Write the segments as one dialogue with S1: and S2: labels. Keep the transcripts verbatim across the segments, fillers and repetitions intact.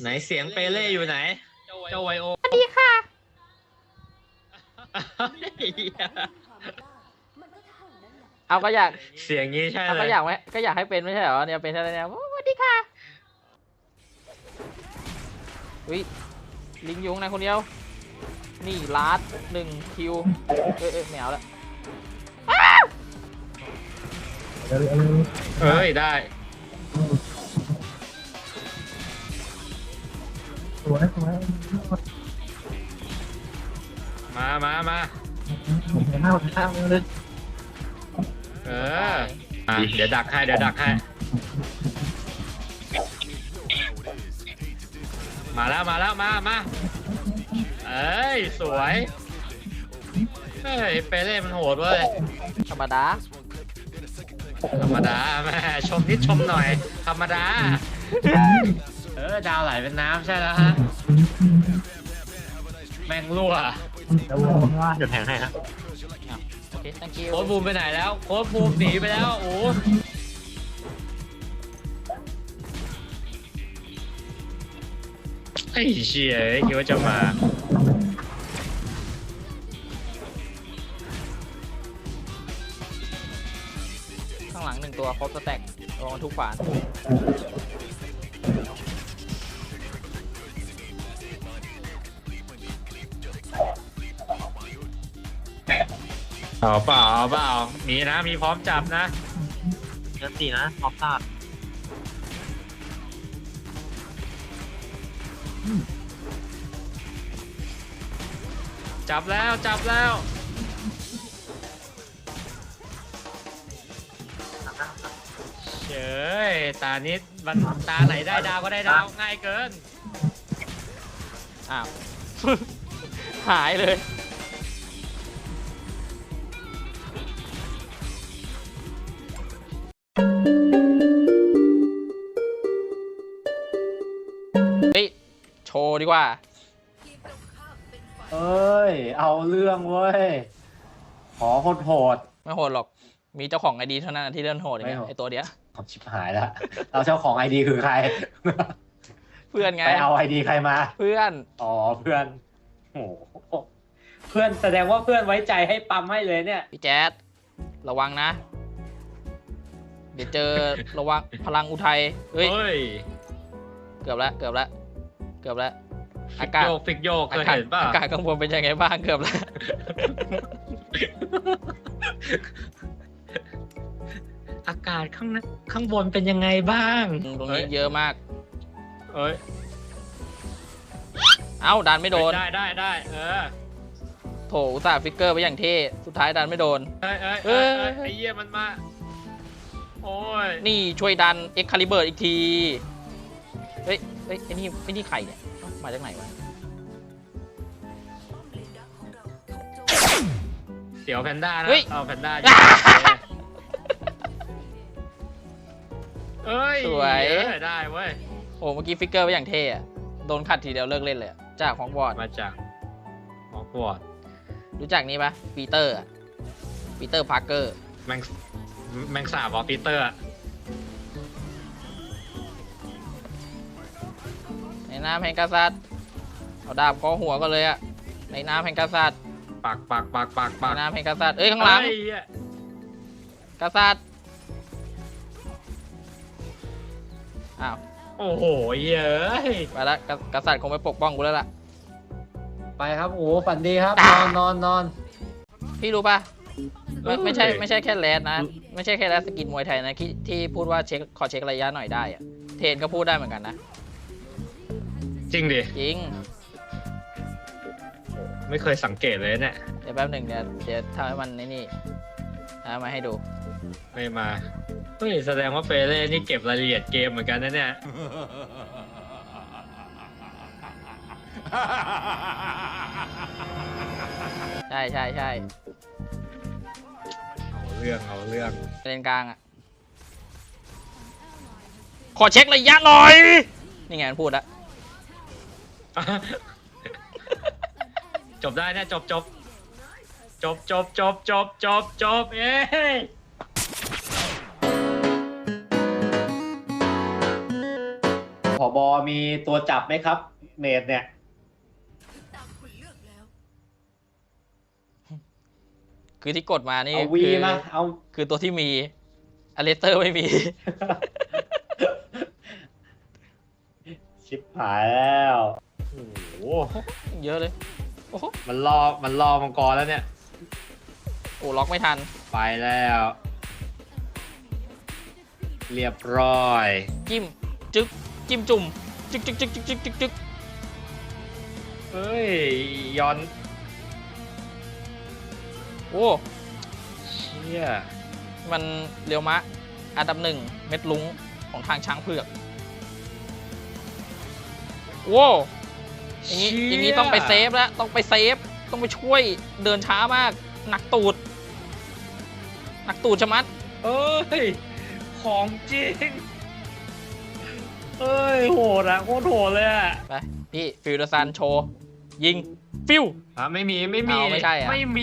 S1: นเสียงเปเล่อยู่ไหนเจ้าไวโอ
S2: สวัสดีค่ะเอาก็อยาก
S1: เสียงนี้ใช่เลย
S2: ก็อยากไหมก็อยากให้เป็นไม่ใช่เหรอเนี่ยเป็นอะไรเนี่ยสวัสดีค่ะวิลิงยุงนะคนเดียวนี่ลาดหนึ่งคิวเอ้ยแมวแล้ว
S1: เอ้ยได้มามามาเออเดี๋ยวดักให้เดี๋ยวดักให้มาแล้วมาแล้วมามาเอ้ยสวยเฮ้ยเปเล่มันโหดเว้ย
S2: ธรรมดา
S1: ธรรมดาแม่ชมนิดชมหน่อยธรรมดาเออดาวไหลเป็นน้ำใช่แล้วฮะแม่งรั่ว
S3: เดี๋ยวแทงให้ครับ
S2: โอเค thank you
S1: โค้ดบูมไปไหนแล้วโค้ดบูมหนีไปแล้วโอ้ไอ้เชี่ยคิดว่าจะมา
S2: ข้างหลังหนึ่งตัวครบสแต็กลงทุกฝาน
S1: เอาเปล่าเอาเปล่ามีนะมีพร้อมจับนะ
S3: เยอะสินะท็อปซาด
S1: จับแล้วจับแล้วเฉยตานิดมันตาไหนได้ดาวก็ได้ดาวง่ายเกิน
S2: อ้าว หายเลยเฮ้ยโชว์ดีกว่า
S4: เอ้ยเอาเรื่องเว้ยขอโหดโหด
S2: ไม่โหดหรอกมีเจ้าของไอดีเท่านั้นที่เล่นโหดอย่างเงี้ยไอตัวเดียว
S4: ชิบหายแล้วเราเจ้าของไอดีคือใคร
S2: เพื่อนไง
S4: ไปเอาไอดีใครมา
S2: เพื่อน
S4: อ๋อเพื่อนโอ้เพื่อนแสดงว่าเพื่อนไว้ใจให้ปั๊มให้เลยเนี่ย
S2: พี่แจ๊ดระวังนะเดี๋ยวเจอระวังพลังอุทัยเฮ้ยเกือบแล้วเกือบแล้วเกือบแล้วอากาศ
S1: โยกฟิกโยกเคยเห็นป่ะ
S2: อากาศข้างบนเป็นยังไงบ้างเกือบแล้ว
S1: อากาศข้างข้างบนเป็นยังไงบ้าง
S2: ตรงนี้เยอะมาก
S1: เอ้ย
S2: เอ้าดันไม่โดน
S1: ได้ได้ได้เออ
S2: โถอุตส่าห์ฟิกเกอร์ไปอย่างเท่สุดท้ายดันไม่โดน
S1: เอ้ยเอ้ยเอ้ยไอ้เหี้ยมันมาโอ้ย
S2: นี่ช่วยดันเอ็กคาลิเบอร์อีกทีเฮ้ยเฮ้ยไอ้นี่ไอ้นี่ใครเนี่ยมาจากไหนวะ
S1: เสียวแพนด้านะเอาแพนด้าเอ้ย
S2: สวย
S1: ได้เว้ย
S2: โอ้เมื่อกี้ฟิกเกอร์ไปอย่างเท่อะโดนขัดทีเดียวเลิกเล่นเลยจากฮอกวอตส์
S1: มาจากฮอกวอตส์
S2: รู้จักนี้ปะปีเตอร์ปีเตอร์พาร์เกอร์
S1: แมงแมงสาบอปีเตอร์
S2: ในน้ำแห่งกษัตริย์เอาดาบเคาะหัวก็เลยอะในน้ำแห่งกษัตริย์
S1: ปากปากปากปากปาก
S2: ในน้ำแห่งกษัตริย์เอ้ยข้างหลังกษัตริย์อ้าว
S1: โอ้โหเย้ย
S2: ไปละกษัตริย์คงไปปกป้องกูแล้วล่ะ
S4: ไปครับโอ้ฝันดีครับนอนนอนนอน
S2: พี่รู้ป่ะไม่ไม่ใช่ไม่ใช่แค่แรดนะไม่ใช่แค่แรดสกินมวยไทยนะที่ที่พูดว่าเช็คขอเช็คระยะหน่อยได้อะเทนก็พูดได้เหมือนกันนะ
S1: จริงดิ
S2: จริง
S1: ไม่เคยสังเกตเลยเนี่ย
S2: เดี๋ยวแป๊บหนึ่งเดี๋ยวเดี๋ยวทำให้มันนี่ทำมาให้ดู
S1: ไม่มาเฮ้ยแสดงว่าเปเล่นี่เก็บรายละเอียดเกมเหมือนกันนะเนี่ย
S2: ใช่ใช่ใช่
S1: เอาเรื่องเอาเรื่อง
S2: เลนกลางอ่ะขอเช็คระยะหน่อยนี่ไงมันพูดละ
S1: จบได้เนี่ยจบจบจบจบจบจบจบจบเอ้ย
S4: ผบมีตัวจับไหมครับ เมดเนี่ย
S2: คือที่กดมานี่
S4: เอาวี
S2: คือ
S4: มาเอา
S2: คือตัวที่มีอเลสเตอร์ไม่มี
S4: ชิบหายแล้ว
S1: โอ้โห
S2: เยอะเลยโอ้โห
S1: มันรอมันรอมังกรแล้วเนี่ย
S2: โอ้ล็อกไม่ทัน
S1: ไปแล้ว เรียบร้อย
S2: จิ้มจึ๊กจิ้มจุ่มจึ๊กจึ๊กจึ๊กจึ๊กจึ๊กจึ๊กจึ๊ก
S1: เฮ้ยย้อน
S2: โอ้
S1: เชี่ย
S2: มันเรียวมะอันดับหนึ่งเม็ดลุงของทางช้างเผือกโว้อย่างนี้อย่างนี้ต้องไปเซฟแล้วต้องไปเซฟต้องไปช่วยเดินช้ามากหนักตูดหนักตูดชะมัด
S1: เอ้ย ของจริง เอ้ย โหดอะโคตรโหดเลยอะ
S2: ไปพี่ฟิวเดอร์ซันโชว์ยิงฟิว
S1: อ่ะไม่มีไม่มี
S2: เอาไม่ใช่อะ
S1: ไม่มี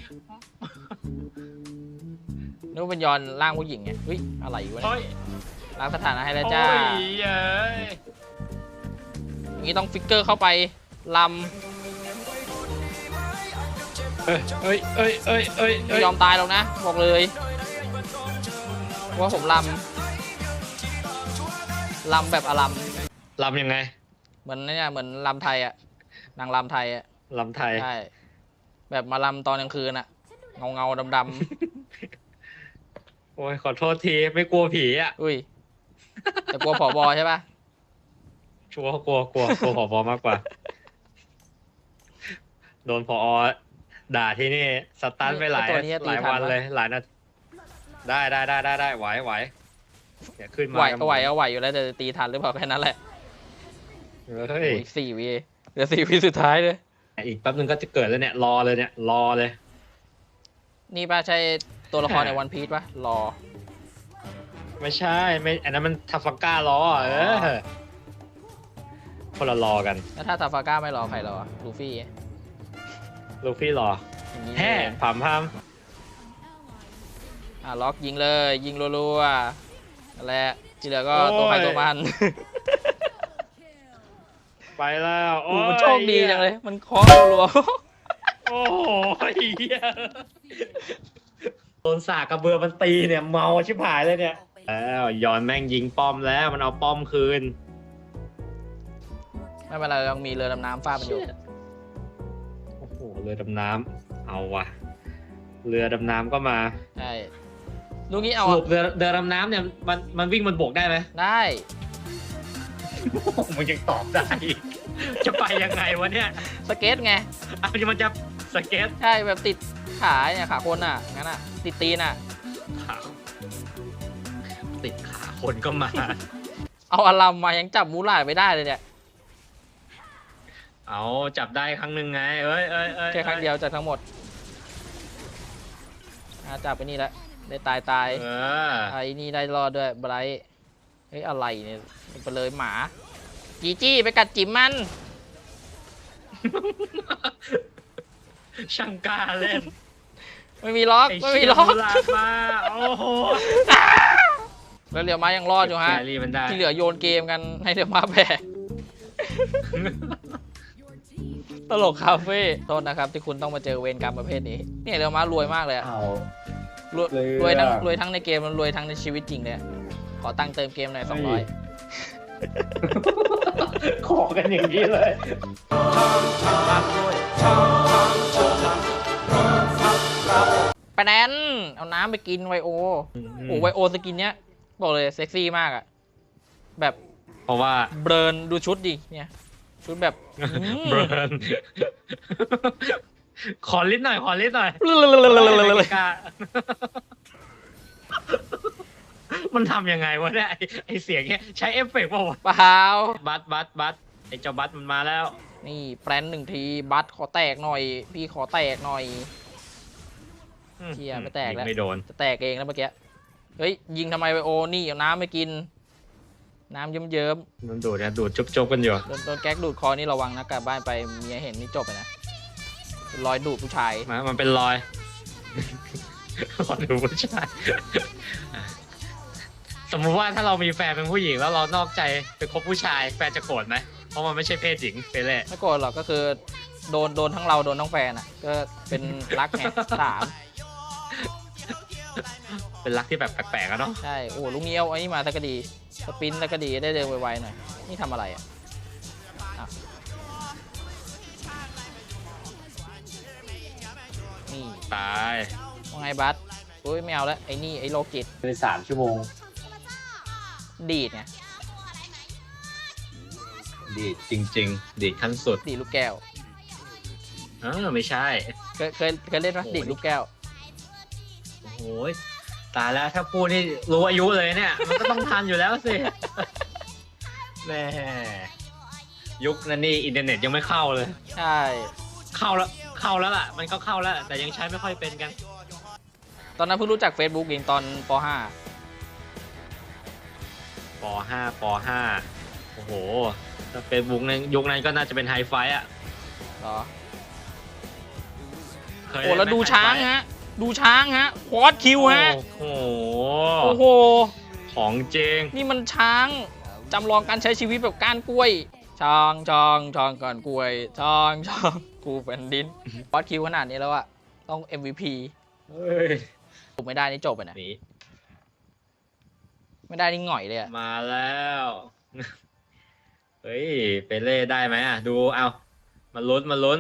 S2: นึกว่าเป็นยอนร่างผู้หญิงไงเฮ้ยอะไรวะเนี่
S1: เฮ้
S2: ย
S1: ย
S2: ล้างสถานะให้แล้วจ้า
S1: โอ้ยเย้ย
S2: อย่างนี้ต้องฟิกเกอร์เข้าไปล
S1: เอ้ยเอ้ยเอ้ยเอ้ยเอ้ย
S2: ำ
S1: เอ้
S2: ไม่
S1: ย
S2: ยอมตายหรอกนะบอกเลยว่าผมลำลำแบบอลัม
S1: ลำยังไง
S2: เหมือนเนี่ยเหมือนลำไทยอะนางลำไทยอะ
S1: ลำไทย
S2: ใช่แบบมาลำตอนกลางคืนอะเงาเงาดำด
S1: โอ้ย ขอโทษที ไม่กลัวผีอ่ะ
S2: ำอุ้ยแต่กลัวผอบอใช่ปะ
S1: ชัวร์กลัวกลัวกลัวผอมากกว่า โดนผอด่าที่นี่สตันไปหลาย
S2: ตัวนี้
S1: ห
S2: ตี
S1: ลาย
S2: ทั
S1: วัน
S2: น
S1: เลย หลายนาทีได้ได้ได้ได้ได้ไหวไหวเดี๋ยวขึ้นมา
S2: ไหว
S1: กัน
S2: ก็ไหวก็ไหวอยู่แล้วแต่จะตีทันหรือเปล่าแค่นั้นแหละ
S1: เฮ้ย
S2: โอ้ยอีกสี่วีเหลือสี่วีสุดท้ายเลย
S1: อีกแป๊บนึงก็จะเกิดแล้วเนี่ย รอเลยเนี่ย รอเลย
S2: นี่ป้าใช่ตัวละครในวันพีชปะรอ
S1: ไม่ใช่ไม่อันนั้นมันทัฟฟังก้ารอเออคนละรอกัน
S2: แล้วถ้าซาฟาก้าไม่รอใครรอลูฟี่
S1: ลูฟี่รอ
S2: อย่างนี้
S1: แฮ่ผามพาม
S2: อ่ะล็อกยิงเลยยิงรัวๆนั่นแหละที่เหลือก็ตัวใครตัวมัน
S1: ไปแล้ว
S2: โอ้
S1: โอ้
S2: โห
S1: ย
S2: มันโชคดีจังเลย มันเคาะรัว
S1: โอ้โหเหี้ยโดนสากกระเบือมันตีเนี่ยเมาชิบหายเลยเนี่ยแล้วย้อนแม่งยิงป้อมแล้วมันเอาป้อมคืน
S2: ๆไม่เป็นไรเรามีเรือดำน้ำฟาดมันอยู่
S1: โอ้โหเรือดำน้ำเอาว่ะ เรือดำน้ำก็มา
S2: ใช่ลูกนี้
S1: ส
S2: เอา
S1: รุปเรือเรือดำน้ำเนี่ยมันมันวิ่งบนบกได้ไหม
S2: ได้
S1: มันยังตอบได้อีกจะไปยังไงวะเนี่ย
S2: สเก็ตไง
S1: อ้าวมันจะสเก็ต
S2: ใช่แบบติดขาเนี่ยขาคนอ่ะงั้นอ่ะติดตีนอ่ะ
S1: ขาติดขาคนก็มา
S2: เอาอารัมมายังจับมูหลาดไม่ได้เลยเนี่ย
S1: เอาจับได้ครั้งหนึ่งไง เอ้ยเอ้ยเอ้ย
S2: แค่ครั้งเดียวจากทั้งหมดอ่ะจับไปนี่แล้วได้ตายตาย
S1: เออ
S2: ไอ้นี่ได้รอดด้วยไบรท์เฮ้ยอะไรเนี่ยไปเลยหมาจีจี้ไปกัดจิ๋มมัน
S1: ช่างกล้าเล่น
S2: ไม่มีล็อก
S1: ไอ้
S2: ไม่
S1: เชี่
S2: มี
S1: ย
S2: ล็อก
S1: มูลาดมาโอ้โห
S2: แล้วเหลียวมายังรอดอยู่ฮะ
S1: แครี่มันได้
S2: ที่เหลือโยนเกมกันให้เหลียวมาแบก ตลกคาเฟ่โทษนะครับที่คุณต้องมาเจอเวรกรรมประเภทนี้เนี่ยเหลียวมารวยมากเลยอะ
S4: เอา
S2: รวย
S4: เรือ
S2: รวยทั้งรวยทั้งในเกมรวยทั้งในชีวิตจริงเลยอะขอตังค์เติมเกมหน่อยสองร้อย
S4: ขอกันอย่างนี้เลย
S2: ไปแนนเอาน้ำไปกินไวโอโอ้ไวโอสกินเนี้ยบอกเลยเซ็กซี่มากอะแบบ
S1: เพราะว่า
S2: เบิร์นดูชุดดิเนี่ยชุดแบบอืม
S1: เบิร์น ขอลิ้นหน่อย ขอลิ้นหน่อยไม่กล้ามันทำยังไงวะเนี่ยไอ้ไอเสียงเนี้ยใช้เอฟเฟกต์ป่าวะ
S2: เปล่า
S1: บัสบัสบัสไอเจ้าบัสมันมาแล้ว
S2: นี่แปรนหนึ่งทีบัตขอแตกหน่อย พี่ขอแตกหน่อย เชี่ยไม่แตกแล้ว
S1: ยิงไม่โดน
S2: จะแตกเองแล้วเมื่อกี้เฮ้ยยิงทำไมไวโอนี่เอาน้ำไปกิน น้ำเยิ้ม
S1: มันดูดนะดูดจุบๆกันอยู่
S2: ๆโดนโดนแก๊กดูดคอนี่ระวังนะกลับบ้านไปเมียเห็นนี่จบเลยนะเป็นรอยดูดผู้ชาย
S1: มามันเป็นรอย รอยดูผู้ชายสมมุติว่าถ้าเรามีแฟนเป็นผู้หญิงแล้วเรานอกใจไปคบผู้ชายแฟนจะโกรธไหมเพราะมันไม่ใช่เพศหญิงไปเลย
S2: ไม่โกรธหรอกก็คือโดนโดนทั้งเราโดนทั้งแฟนอ่ะก็เป็นรักไงสาม
S1: เป็นรักที่แบบแปลกๆอะเนาะ
S2: ใช่โอ้ลุงเงี้ยวไอ้นี่มาตะกะดีสปินตะกะดีได้เร็วไวๆหน่อยนี่ทำอะไรอ่ะอ่ะนี่
S1: ตาย
S2: ว่าไงบัสโอ้ยไม่เอาแล้วไอ้นี่ไอ้โลกิต
S4: เป็นสามชั่วโมง
S2: ดีดไง
S1: ดีดจริง ๆ ดีดขั้นสุด
S2: ดีดลูกแก้ว
S1: เออไม่ใช่
S2: เคยเคยเคยเล่นไหมดีดลูกแก้ว
S1: โอ้โหตายแล้วถ้าพูดนี่รู้อายุเลยเนี่ย มันก็ต้องทันอยู่แล้วสิ แม่ยุคนั้นนี่อินเทอร์เน็ตยังไม่เข้าเลย
S2: ใช่
S1: เข้าแล้วเข้าแล้วล่ะ มันก็เข้าแล้ว แต่ยังใช้ไม่ค่อยเป็นกัน
S2: ตอนนั้นเพิ่งรู้จัก Facebook เองตอนป .ห้า
S1: ปห้าปห้าโอ้โหถ้าเฟซบุ๊กนั้นยุคนั้นก็น่าจะเป็นไฮไฟอ่ะ
S2: เหรอ
S1: เคย
S2: โอ้แล้ว
S1: เนไหม
S2: ดูช้าง
S1: ไฮไฟ
S2: ฮะ ดูช้างฮะควอดคิวฮะ
S1: โอ้โห
S2: โอ้โห
S1: ของจริง
S2: นี่มันช้างจำลองการใช้ชีวิตแบบก้านกล้วยช้างช้างช้างก้านกล้วยช้างช้างกูแผ่นดินควอดคิวขนาดนี้แล้วอะต้อง เอ็ม วี พี
S1: เฮ้ย
S2: ถูกไม่ได้นี่จบไปนะ
S1: หนี
S2: ไม่ได้นี่หง่อยเลยอะ
S1: มาแล้ว เฮ้ย เปเล่ได้ไหมอ่ะ ดูเอามาลุ้นมาลุ้น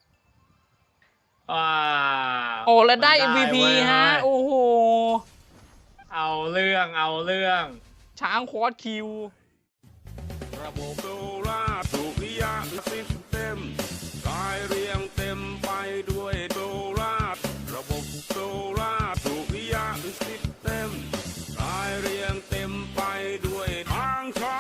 S1: ว้าว
S2: โอ้แล้วได้
S1: มัน
S2: เอ็ม วี พี
S1: เว้ย
S2: ฮะ โอ้โห
S1: เอาเรื่องเอาเรื่อง
S2: ช้างควอดคิว
S5: ระบบโซล่าร์ถูกนิยามซิสเต็มกายเรียงเต็มไปด้วยโซล่าร์ระบบโซล่าร์ถูกนิยามซิสเต็มกายเรียงเต็มไปด้วยทางช้า